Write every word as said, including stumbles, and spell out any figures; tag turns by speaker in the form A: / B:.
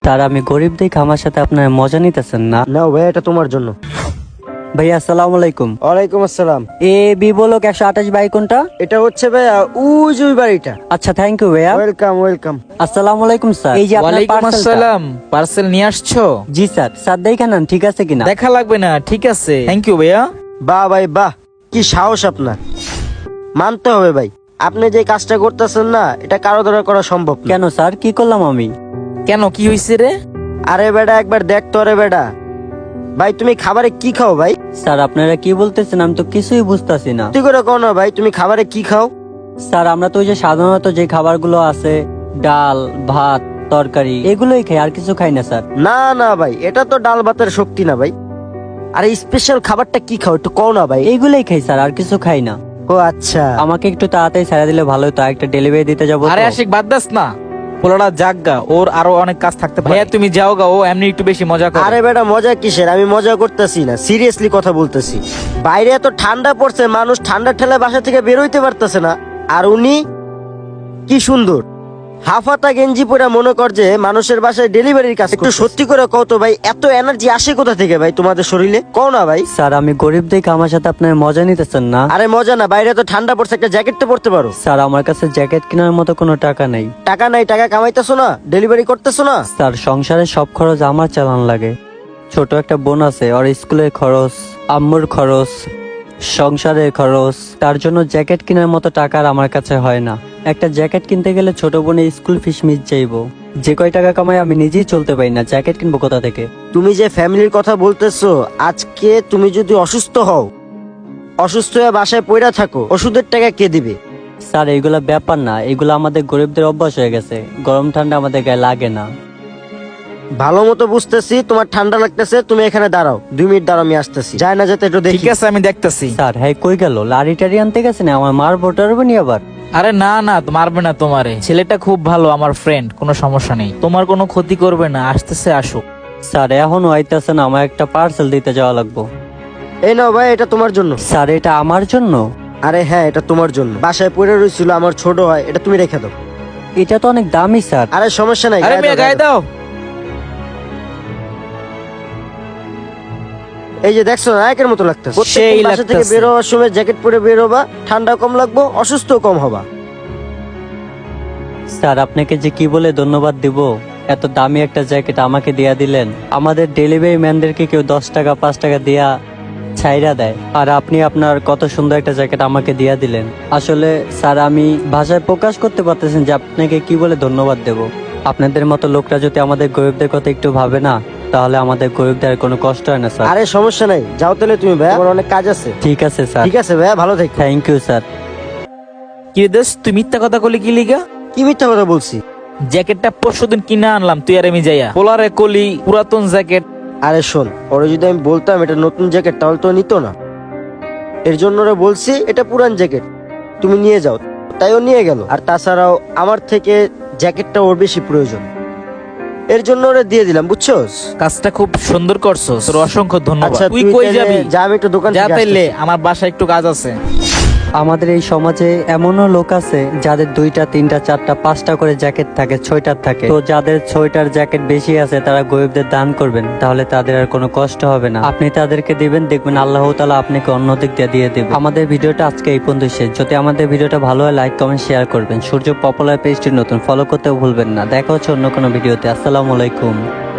A: তার আমি গরিব দেখে আমার সাথে আপনার মজা নিতেছেন না।
B: নাও ভাই, এটা তোমার জন্য।
A: ভাইয়া আসসালামু আলাইকুম।
B: ওয়ালাইকুম আসসালাম।
A: এ বি বলক একশো আঠাশ বাই কোনটা?
B: এটা হচ্ছে ভাইয়া ওই যে ওই বাড়িটা।
A: আচ্ছা, থ্যাংক ইউ ভাইয়া।
B: Welcome welcome.
A: আসসালামু আলাইকুম স্যার। এই যে আপনার
C: ওয়ালাইকুম
A: পার্সেলটা।
C: আসসালাম। পার্সেল নিয়ে আসছো?
A: জি স্যার। স্যার দেখে নেন ঠিক আছে কিনা।
C: দেখা লাগবে না, ঠিক আছে, থ্যাংক ইউ ভাইয়া।
B: বাহ ভাই বাহ, কি সাহস আপনার! মানতে হবে ভাই, আপনি যে কাজটা করতেছেন না, এটা কারো দ্বারা করা সম্ভব না।
A: কেন স্যার, কি করলাম আমি?
C: কেন, কি হয়েছে রে?
B: আরে বেটা, একবার দেখ তো রে বেটা। ভাই তুমি খাবারে কি খাও ভাই?
A: স্যার আপনারা কি বলতেছেন আমি তো কিছুই বুঝতাছি না।
B: তুই করে কও না ভাই, তুমি খাবারে কি খাও?
A: স্যার আমরা তো ওই যে সাধারণত যে খাবারগুলো আছে, ডাল ভাত তরকারি এগুলোই খাই, আর কিছু খাই না স্যার।
B: না না ভাই, এটা তো ডাল ভাতের শক্তি না ভাই। আরে স্পেশাল খাবারটা কি খাও একটু কও না ভাই।
A: এইগুলোই খাই স্যার, আর কিছু খাই না।
B: ও আচ্ছা।
A: আমাকে একটু তাড়াতাড়ি ছেড়ে দিলে ভালো হতো, একটা ডেলিভারি দিতে যাবো।
C: আরে আশিক বাদ দাস না, পোলাটা জাগগা, ওর আরো অনেক কাজ থাকতে পারে। ভাইয়া তুমি যাও গা, ও এমনি একটু বেশি মজা করে।
B: আরে বেটা মজা কিসের, আমি মজা করতেছি না, সিরিয়াসলি কথা বলতেছি। বাইরে এত ঠান্ডা পড়ছে, মানুষ ঠান্ডা ঠেলা বাসা থেকে বের হইতে পারতেছে না, আর উনি কি সুন্দর হাফাতা গেঞ্জি পরে মনে কর যে মানুষের বাসায় ডেলিভারির কাজ। একটু সত্যি করে কও তো ভাই, এত এনার্জি আসে কোথা থেকে ভাই তোমাদের শরীরে? কও না ভাই।
A: স্যার আমি গরিব দেখে আমার সাথে আপনার মজা নিতেছেন না।
B: আরে মজা না, বাইরে তো ঠান্ডা পড়ছে, একটা জ্যাকেট তো পরতে পারো।
A: স্যার আমার কাছে জ্যাকেট কেনার মতো কোনো টাকা নেই।
B: টাকা নাই, টাকা কামাইতেছো না, ডেলিভারি করতেছো না।
A: স্যার সংসারের সব খরচ আমার চালান লাগে। ছোট একটা বোন আছে, ওর স্কুলের খরচ, আম্মুর খরচ, সংসারের খরচ, তার জন্য জ্যাকেট কেনার মতো টাকা আর আমার কাছে হয় না। একটা জ্যাকেট কিনতে গেলে ছোট বোনের স্কুল ফিস মিস যাইবো, যে কয় টাকা কামাই আমি নিজেই চলতে পারি না, জ্যাকেট কিনবো কোথা থেকে?
B: তুমি যে ফ্যামিলির কথা বলতেছো, আজকে তুমি যদি অসুস্থ হও, অসুস্থ হয়ে বাসায় পড়া থাকো, ওষুধের টাকা কে দিবে?
A: স্যার এইগুলা ব্যাপার না, এগুলো আমাদের গরিবদের অভ্যাস হয়ে গেছে, গরম ঠান্ডা আমাদের গায়ে লাগে না।
B: ভালো মতো বুঝতেছি তোমার ঠান্ডা লাগতেছে, তুমি এখানে দাঁড়াও, দুই মিনিট দাঁড়াও, আমি আসতেছি। যায় না যেতে একটু দেখি।
C: ঠিক আছে, আমি দেখতেছি।
A: স্যার হ্যাঁ কই গেল? লারি টারি আনতে গেছে না, আমার মার ভোটারবো নি আবার।
C: আরে না না, মারবে না তোমারে, ছেলেটা খুব ভালো, আমার ফ্রেন্ড, কোনো সমস্যা নেই, তোমার কোনো ক্ষতি করবে না, আসতেছে আসুক।
A: স্যার এখনো আইতাছে না, আমার একটা পার্সেল দিতে যাওয়া লাগবো।
B: এই নাও ভাই, এটা তোমার জন্য।
A: স্যার এটা আমার জন্য?
B: আরে হ্যাঁ, এটা তোমার জন্য, বাসায় পড়ে রয়েছিল, আমার ছোট হয়, এটা তুমি রেখে দাও।
A: এটা তো অনেক দামি স্যার।
B: আরে সমস্যা নাই,
C: আরে
B: গায়ে
C: মেয়ে
B: দাও,
C: গায়ে
B: গায়ে দাও।
C: দাও।
B: এই যে দেখছো না, একের মতো লাগতেছে।
C: সেই
B: প্রত্যেকদিন বাসা থেকে
C: লাগতেছে।
B: বের হওয়ার সময় জ্যাকেট পরে বের হবা, ঠান্ডা কম লাগবো, অসুস্থ কম হবা।
A: স্যার আপনাকে যে কি বলে ধন্যবাদ দিব, এত দামি একটা জ্যাকেট আমাকে দিয়া দিলেন। আমাদের ডেলিভারি ম্যানদেরকে কেউ দশ টাকা পাঁচ টাকা দিয়া ছাইরা দেয়, আর আপনি আপনার কত সুন্দর একটা জ্যাকেট আমাকে দিয়া দিলেন। আসলে স্যার আমি ভাষায় প্রকাশ করতে পারতেছেন যে আপনাকে কি বলে ধন্যবাদ দেব। আপনাদের মতো লোকরা যদি আমাদের গরিবদের কথা একটু ভাবে না, তাহলে আমাদের গরিবদের আর কোনো কষ্ট হয় না স্যার।
B: আরে সমস্যা নাই, যাও তাহলে তুমি ভাই, আমার অনেক কাজ আছে।
A: ঠিক আছে স্যার।
B: ঠিক আছে ভাই, ভালো থেকো।
A: Thank you sir.
C: কি দেশ, তুই মিথ্যা কথা কলি কি লিগা?
B: কি মিথ্যা কথা বলছি?
C: জ্যাকেটটা পরশুদিন কিনে আনলাম, তুই আর আমি যাইয়া পোলারে কলি পুরাতন জ্যাকেট।
B: আরে শোন, ওরে যদি আমি বলতাম এটা নতুন জ্যাকেট, তাহলে তো নিত না। এর জন্য ওরা বলছি এটা পুরান জ্যাকেট, তুমি নিয়ে যাও, তাই ও নিয়ে গেল। আর তাছাড়াও আমার থেকে জ্যাকেটটা ওর বেশি প্রয়োজন, এর জন্য ওরা দিয়ে দিলাম, বুঝছোস?
C: কাজটা খুব সুন্দর করছো, তোর অসংখ্য ধন্যবাদ।
B: আচ্ছা
C: তুই কই
B: তাইলে
C: যাবি?
B: যা, আমি একটু দোকান
C: যা
B: থেকে
C: তাইলে,
B: আসতেছি।
C: আমার বাসায় একটু কাজ আছে।
A: আমাদের এই সমাজে এমনও লোক আছে যাদের দুইটা তিনটা চারটা পাঁচটা করে জ্যাকেট থাকে, ছয়টার থাকে। তো যাদের ছয়টার জ্যাকেট বেশি আছে তারা গরিবদের দান করবেন, তাহলে তাদের আর কোনো কষ্ট হবে না। আপনি তাদেরকে দিবেন, দেখবেন আল্লাহ তাআলা আপনাকে অন্য দিক দিয়ে দিয়ে দেবে। আমাদের ভিডিওটা আজকে এই পর্যন্ত শেষ। যদি আমাদের ভিডিওটা ভালো হয় লাইক কমেন্ট শেয়ার করবেন। সূর্য পপুলার পেজটি নতুন, ফলো করতেও ভুলবেন না। দেখা হচ্ছে অন্য কোনো ভিডিওতে। আসসালামু আলাইকুম।